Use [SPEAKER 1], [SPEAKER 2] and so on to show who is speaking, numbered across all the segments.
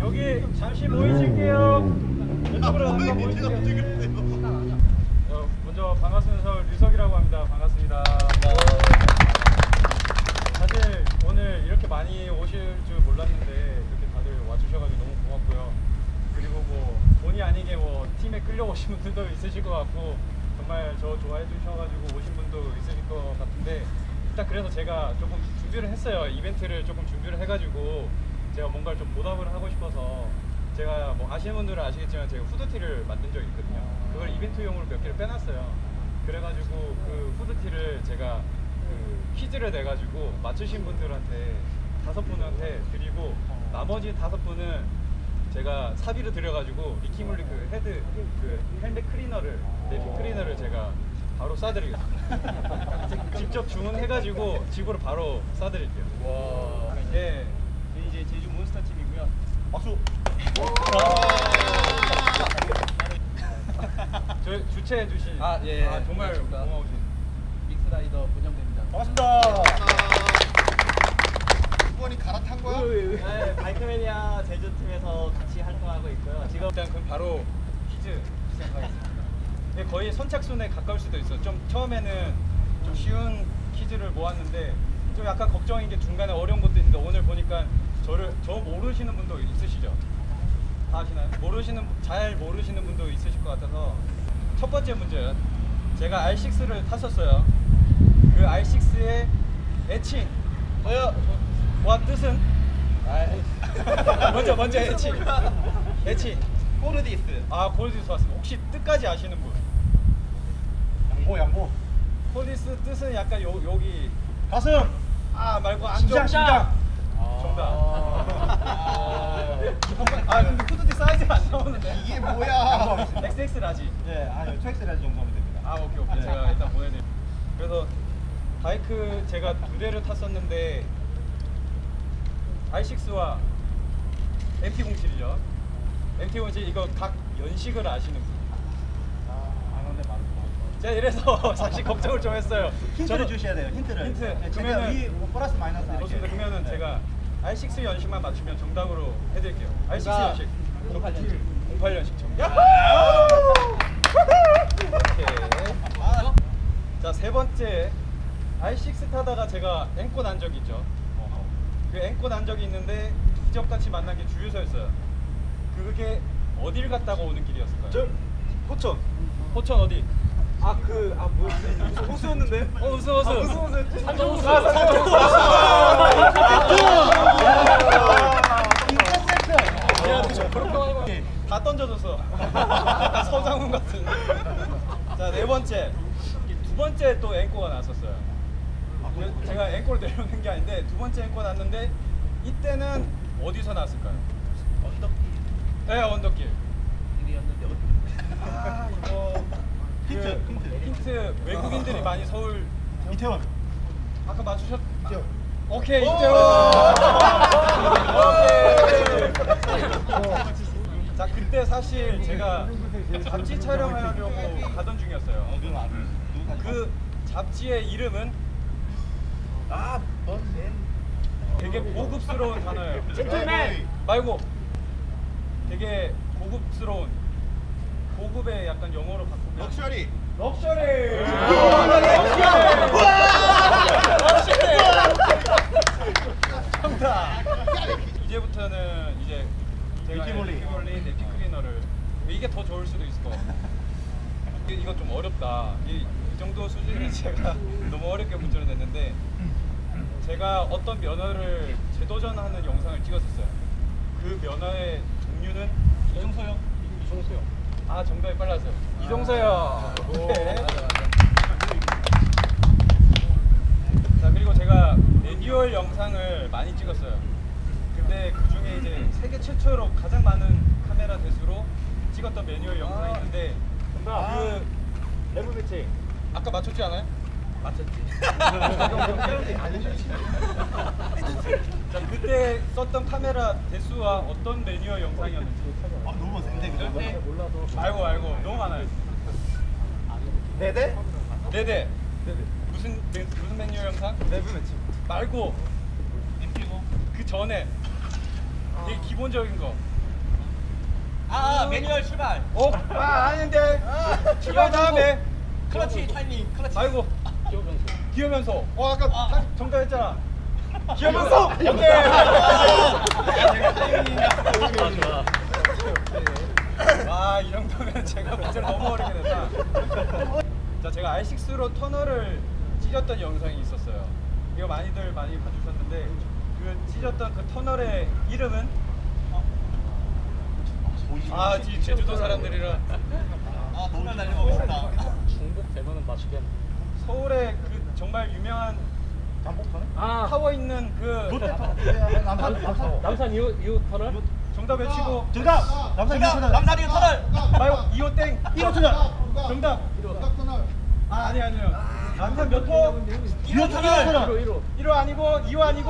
[SPEAKER 1] 여기 잠시 모이실게요. 이쪽으로 한번 모이실게요. 먼저 반갑습니다. 저 류석이라고 합니다. 반갑습니다. 사실 오늘 이렇게 많이 오실 줄 몰랐는데 이렇게 다들 와주셔가지고 너무 고맙고요. 그리고 뭐 본의 아니게 뭐 팀에 끌려오신 분들도 있으실 것 같고 정말 저 좋아해 주셔가지고 오신 분도 있으실 것 같은데 일단 그래서 제가 조금 준비를 했어요. 이벤트를 조금 준비를 해가지고 제가 뭔가를 좀 보답을 하고 싶어서 제가 뭐 아시는 분들은 아시겠지만 제가 후드티를 만든 적이 있거든요. 그걸 이벤트용으로 몇 개를 빼놨어요. 그래가지고 그 후드티를 제가 그 퀴즈를 내가지고 맞추신 분들한테 5분한테 드리고 나머지 5분은 제가 사비를 드려가지고 리키물리 그 헤드 그 헬멧 클리너를 내비 클리너를 제가 바로 쏴드리겠습니다. 직접 주문해가지고 집으로 바로 쏴드릴게요. 와. 예. 이제 제주 몬스터 팀이고요. 박수. 저 주최해 주신
[SPEAKER 2] 예.
[SPEAKER 1] 정말 고마우신
[SPEAKER 2] 믹스라이더 문영대입니다.
[SPEAKER 3] 반갑습니다. 후원이 갈아탄 거야?
[SPEAKER 4] 네, 바이크매니아 제주팀에서 같이 활동하고 있고요. 지금
[SPEAKER 1] 일단 그럼 바로 퀴즈 시작하겠습니다. 근데 거의 선착순에 가까울 수도 있어. 좀 처음에는 좀 쉬운 퀴즈를 모았는데 좀 약간 걱정인 게 중간에 어려운 것도 있는데 오늘 보니까 저 모르시는 분도 있으시죠? 다 아시나요? 잘 모르시는 분도 있으실 것 같아서 첫 번째 문제는 제가 R6를 탔었어요. 그 R6의 애칭 와 뜻은? 먼저 애칭
[SPEAKER 3] 코르디스.
[SPEAKER 1] 골디스 왔습니다. 혹시 뜻까지 아시는 분?
[SPEAKER 3] 양보.
[SPEAKER 1] 골디스 뜻은 약간 여기
[SPEAKER 3] 가슴.
[SPEAKER 1] 말고 안쪽.
[SPEAKER 3] 심장.
[SPEAKER 1] 정답. 근데 후드티 사이즈가 안 나오는데.
[SPEAKER 3] 이게 뭐야?
[SPEAKER 1] XX 라지.
[SPEAKER 3] 네, 아니요. 트랙스라지 정도면 됩니다.
[SPEAKER 1] 오케이. 제가 일단 보내드릴게요. 그래서 바이크 제가 2대를 탔었는데 R6와 MT-07이죠. MT-07 이거 각 연식을 아시는 분?
[SPEAKER 3] 아는데 많은
[SPEAKER 1] 제가 이래서 사실 걱정을 좀 했어요.
[SPEAKER 3] 힌트를 주셔야 돼요. 힌트를.
[SPEAKER 1] 힌트.
[SPEAKER 3] 네,
[SPEAKER 1] 그러면은
[SPEAKER 3] 플러스 마이너스 이렇게.
[SPEAKER 1] 좋습니다. 그러면은
[SPEAKER 3] 네.
[SPEAKER 1] 제가 R6 연식만 맞추면 정답으로 해드릴게요. R6 연식
[SPEAKER 4] 08년식.
[SPEAKER 1] 08년식 정답. 오케이. 자, 세 번째 R6 타다가 제가 앵꼬 난 적이 있죠. 그 앵꼬 난 적이 있는데 기적같이 만난 게 주유소였어요. 그게 어딜 갔다가 오는 길이었을까요?
[SPEAKER 3] 포천.
[SPEAKER 1] 포천 어디?
[SPEAKER 3] 무슨 호수였는데?
[SPEAKER 1] 호수.
[SPEAKER 4] 산정호수.
[SPEAKER 1] 다 던져줬어. 서장훈 같은. 자, 네 번째. 두 번째 또 앵꼬가 났었어요. 제가 앵꼬를 내려오는 게 아닌데 두 번째 앵꼬가 났는데 이때는 어디서 났을까요?
[SPEAKER 4] 언덕길.
[SPEAKER 1] 네, 언덕길.
[SPEAKER 4] 길이었는데
[SPEAKER 1] 이거 힌트. 외국인들이 많이 서울
[SPEAKER 3] 이태원.
[SPEAKER 1] 아까 맞추셨.
[SPEAKER 3] 이태원.
[SPEAKER 1] 오케이, 이태원. 자, 그때 사실 제가 잡지 촬영하려고 가던 중이었어요. 그 잡지의 이름은 되게 고급스러운 단어예요.
[SPEAKER 4] 젠틀맨.
[SPEAKER 1] 말고 되게 고급스러운 고급의 약간 영어로 바꾸면
[SPEAKER 3] 럭셔리.
[SPEAKER 1] 정답. 이제부터는 이제 제가
[SPEAKER 3] 리키몰리.
[SPEAKER 1] 내피 클리너를 이게 더 좋을 수도 있을 것 같아요. 이거 좀 어렵다. 이 정도 수준은 제가 너무 어렵게 문제를 냈는데 제가 어떤 면허를 재도전하는 영상을 찍었었어요. 그 면허의 종류는 이종서요. 정답이 빨랐어요. 이종서요. 오케이. 자, 그리고 제가 매뉴얼 영상을 많이 찍었어요. 근데 그 중에 이제 세계 최초로 가장 많은 카메라 대수로 찍었던 매뉴얼 영상이 있는데 그
[SPEAKER 4] 레브 매치.
[SPEAKER 1] 아까 맞췄지 않아요?
[SPEAKER 4] 맞췄지.
[SPEAKER 1] 자, 그때 썼던 카메라 대수와 어떤 매뉴얼 영상이었는지.
[SPEAKER 3] 너무 센데 그거.
[SPEAKER 1] 알고 너무 많아요.
[SPEAKER 3] 네대?
[SPEAKER 1] 네네. 무슨 매뉴얼 영상?
[SPEAKER 3] 레브 매치.
[SPEAKER 1] 말고 그 전에 되게 기본적인 거.
[SPEAKER 4] 매뉴얼 출발.
[SPEAKER 1] 아닌데. 출발 다음에.
[SPEAKER 4] 클러치 타이밍. 클러치.
[SPEAKER 1] 아이고. 기어면서. 아까 정답했잖아. 기어면서. 오케이. 이 정도면 제가 문제를 너무 어렵게 됐다. 자, 제가 R6로 터널을 찢었던 영상이 있었어요. 이거 많이 봐주셨는데 그 찢었던 그 터널의 이름은 제주도 사람들이라
[SPEAKER 4] 터널 날려보고 싶다.
[SPEAKER 2] 중국 대만은 맞추게.
[SPEAKER 1] 서울에 그 정말 유명한 타워 있는 그
[SPEAKER 2] 남산 이후 터널?
[SPEAKER 1] 정답 외치고
[SPEAKER 3] 정답. 남산
[SPEAKER 4] 정답. 남산 이후 터널.
[SPEAKER 1] 말고 2호 땡
[SPEAKER 3] 1호 터널.
[SPEAKER 1] 정답. 아니요. 남산 몇 호?
[SPEAKER 4] 1호 터널.
[SPEAKER 1] 1호 아니고 2호 아니고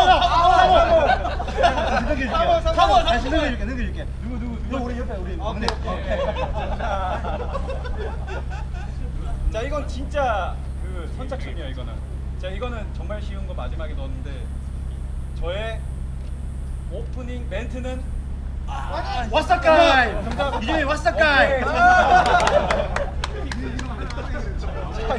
[SPEAKER 3] 3호. 다시 넘겨줄게. 누구? 우리 옆에 우리 막내.
[SPEAKER 1] 자, 이건 진짜 그 선착순이야. 이거는 정말 쉬운 거 마지막에 넣었는데 저의 오프닝 멘트는
[SPEAKER 3] 와사카이.
[SPEAKER 1] 정답.
[SPEAKER 3] 이름이 와사카이.
[SPEAKER 1] 자,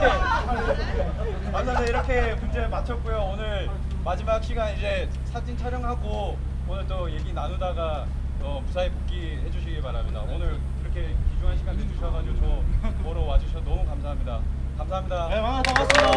[SPEAKER 1] 이렇게 문제 맞췄고요. 오늘 마지막 시간 이제 사진 촬영하고 오늘 또 얘기 나누다가 무사히 복귀해 주시기 바랍니다. 오늘 이렇게 귀중한 시간 내주셔가지고 저 보러 와주셔서 너무 감사합니다. 감사합니다.
[SPEAKER 3] 네, 반갑습니다.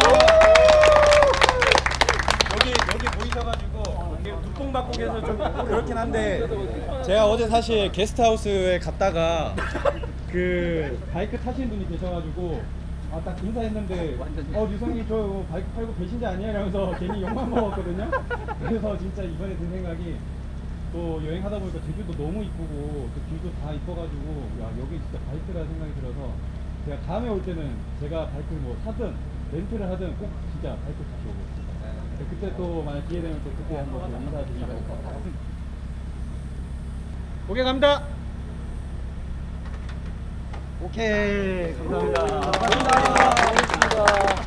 [SPEAKER 1] 여기 보이셔가지고 두통 받고 계셔서 좀 그렇긴 한데 제가 어제 사실 게스트하우스에 갔다가 그 바이크 타시는 분이 계셔가지고 딱 인사했는데 류성님 저 바이크 팔고 계신지 아니에요? 이러면서 괜히 욕만 먹었거든요. 그래서 진짜 이번에 든 생각이 또 여행하다 보니까 제주도 너무 이쁘고 또 길도 다 이뻐가지고 야 여기 진짜 바이크라 생각이 들어서 제가 다음에 올 때는 제가 바이크 뭐 사든 렌트를 하든 꼭 진짜 바이크 다시 오고 있습니다. 그때 또 만약 기회 되면 또 그때 한번 인사드리고 오케이 갑니다. 오케이 감사합니다.
[SPEAKER 2] 감사합니다.